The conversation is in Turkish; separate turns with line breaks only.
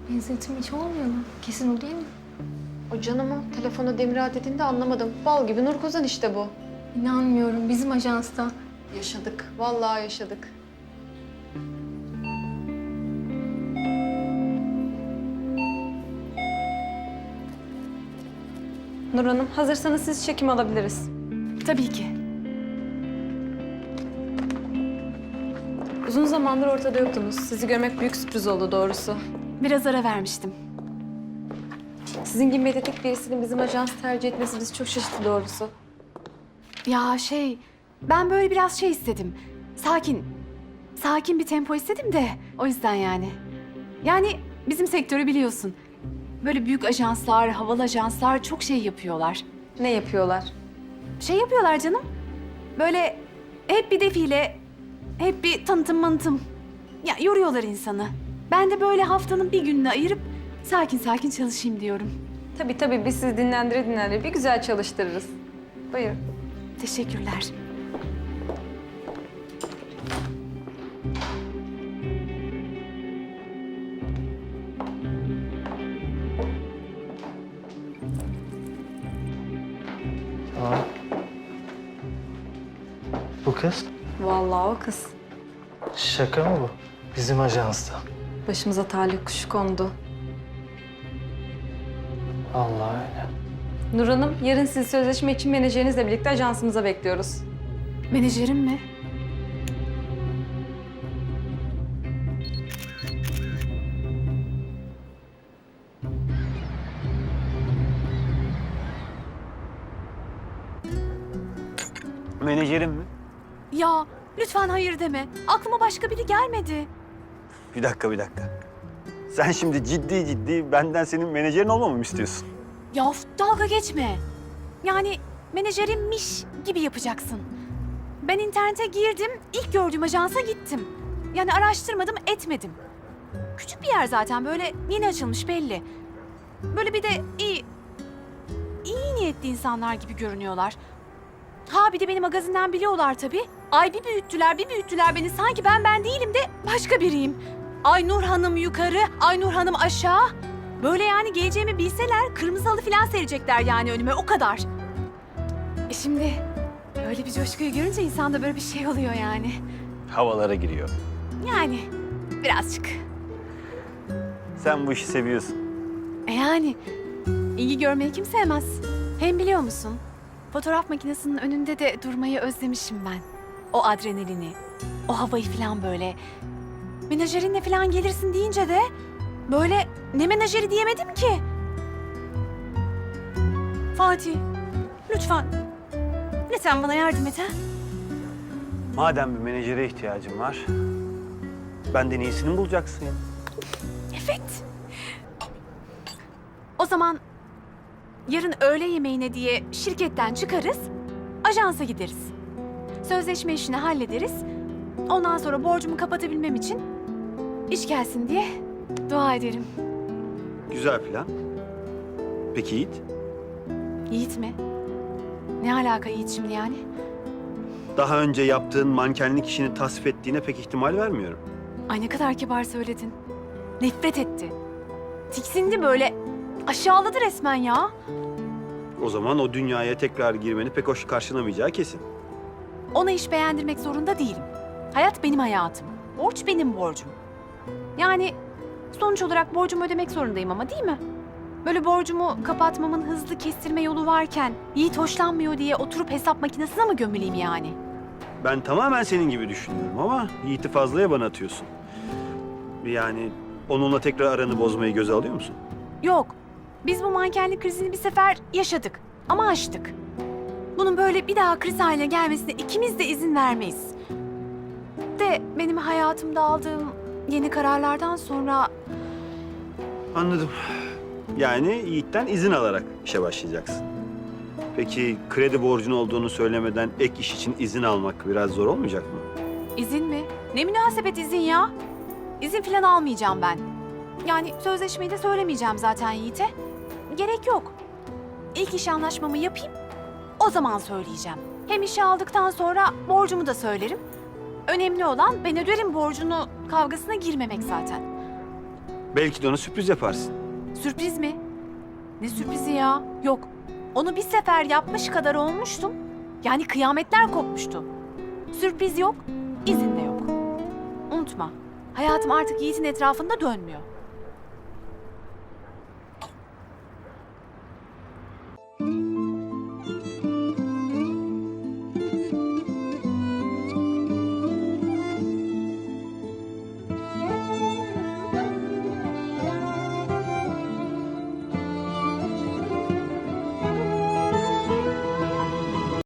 Benzetim hiç olmuyor mu? Kesin o değil mi?
O canımı telefona Demir'a dediğinde anlamadım. Bal gibi Nur Kozan işte bu.
İnanmıyorum, bizim ajansta.
Yaşadık. Vallahi yaşadık. Nur Hanım, hazırsanız siz çekim alabiliriz.
Tabii ki.
Uzun zamandır ortada yoktunuz. Sizi görmek büyük sürpriz oldu doğrusu.
Biraz ara vermiştim.
Sizin gibi medyatik birisinin bizim ajans tercih etmesi bizi çok şaşırttı doğrusu.
Ya ben böyle biraz istedim. Sakin. Sakin bir tempo istedim de o yüzden yani. Yani bizim sektörü biliyorsun. Böyle büyük ajanslar, havalı ajanslar çok şey yapıyorlar.
Ne yapıyorlar?
Şey yapıyorlar canım. Böyle hep bir defile, hep bir tanıtım manıtım. Ya yoruyorlar insanı. Ben de böyle haftanın bir gününü ayırıp sakin sakin çalışayım diyorum.
Tabii biz sizi dinlendire bir güzel çalıştırırız. Buyurun.
Teşekkürler.
Aa. Bu kız?
Vallahi o kız.
Şaka mı bu? Bizim ajansta.
Başımıza talih kuşu kondu.
Allah öyle.
Nur Hanım, yarın sizi sözleşme için menajerinizle birlikte ajansımıza bekliyoruz.
Menajerim mi?
Menajerim mi?
Ya lütfen hayır deme. Aklıma başka biri gelmedi.
Bir dakika. Sen şimdi ciddi benden senin menajerin olmamı mı istiyorsun?
Ya of, dalga geçme. Yani menajerimmiş gibi yapacaksın. Ben internete girdim, ilk gördüğüm ajansa gittim. Yani araştırmadım, etmedim. Küçük bir yer zaten, böyle yeni açılmış belli. Böyle bir de iyi niyetli insanlar gibi görünüyorlar. Ha bir de beni magazinden biliyorlar tabii. Ay bir büyüttüler beni. Sanki ben değilim de başka biriyim. Ay Nur Hanım yukarı, Ay Nur Hanım aşağı. Böyle yani geleceğimi bilseler kırmızı halı falan serecekler yani önüme, o kadar. Şimdi böyle bir coşkuyu görünce insanda böyle bir şey oluyor yani.
Havalara giriyor.
Yani birazcık.
Sen bu işi seviyorsun.
Yani ilgi görmeyi kim sevmez? Hem biliyor musun? Fotoğraf makinesinin önünde de durmayı özlemişim ben. O adrenalini, o havayı falan böyle. Menajerinle falan gelirsin deyince de böyle ne menajeri diyemedim ki. Fatih, lütfen. Lütfen bana yardım et ha.
Madem bir menajere ihtiyacın var, benden iyisini bulacaksın ya.
Evet. O zaman yarın öğle yemeğine diye şirketten çıkarız, ajansa gideriz. Sözleşme işini hallederiz. Ondan sonra borcumu kapatabilmem için iş gelsin diye dua ederim.
Güzel plan. Peki Yiğit?
Yiğit mi? Ne alaka Yiğit şimdi yani?
Daha önce yaptığın mankenlik işini tasvip ettiğine pek ihtimal vermiyorum.
Ay ne kadar kibar söyledin. Nefret etti. Tiksindi böyle. Aşağıladı resmen ya.
O zaman o dünyaya tekrar girmeni pek hoş karşılamayacağı kesin.
Ona iş beğendirmek zorunda değilim. Hayat benim hayatım. Borç benim borcum. Yani sonuç olarak borcumu ödemek zorundayım ama değil mi? Böyle borcumu kapatmamın hızlı kestirme yolu varken Yiğit hoşlanmıyor diye oturup hesap makinesine mi gömüleyim yani?
Ben tamamen senin gibi düşünüyorum ama Yiğit'i fazlaya bana atıyorsun. Yani onunla tekrar aranı bozmayı göze alıyor musun?
Yok. Biz bu mankenlik krizini bir sefer yaşadık ama aştık. Bunun böyle bir daha kriz haline gelmesine ikimiz de izin vermeyiz. De benim hayatımda aldığım yeni kararlardan sonra
Anladım. Yani Yiğit'ten izin alarak işe başlayacaksın. Peki kredi borcun olduğunu söylemeden ek iş için izin almak biraz zor olmayacak mı?
izin mi? Ne münasebet izin ya? İzin falan almayacağım ben. Yani sözleşmeyi de söylemeyeceğim zaten Yiğit'e. Gerek yok. İlk iş anlaşmamı yapayım, o zaman söyleyeceğim. Hem işe aldıktan sonra borcumu da söylerim. Önemli olan ben öderim borcunu kavgasına girmemek zaten.
Belki de ona sürpriz yaparsın.
Sürpriz mi? Ne sürprizi ya? Yok. Onu bir sefer yapmış kadar olmuştum. Yani kıyametler kopmuştu. Sürpriz yok, izin de yok. Unutma, hayatım artık Yiğit'in etrafında dönmüyor.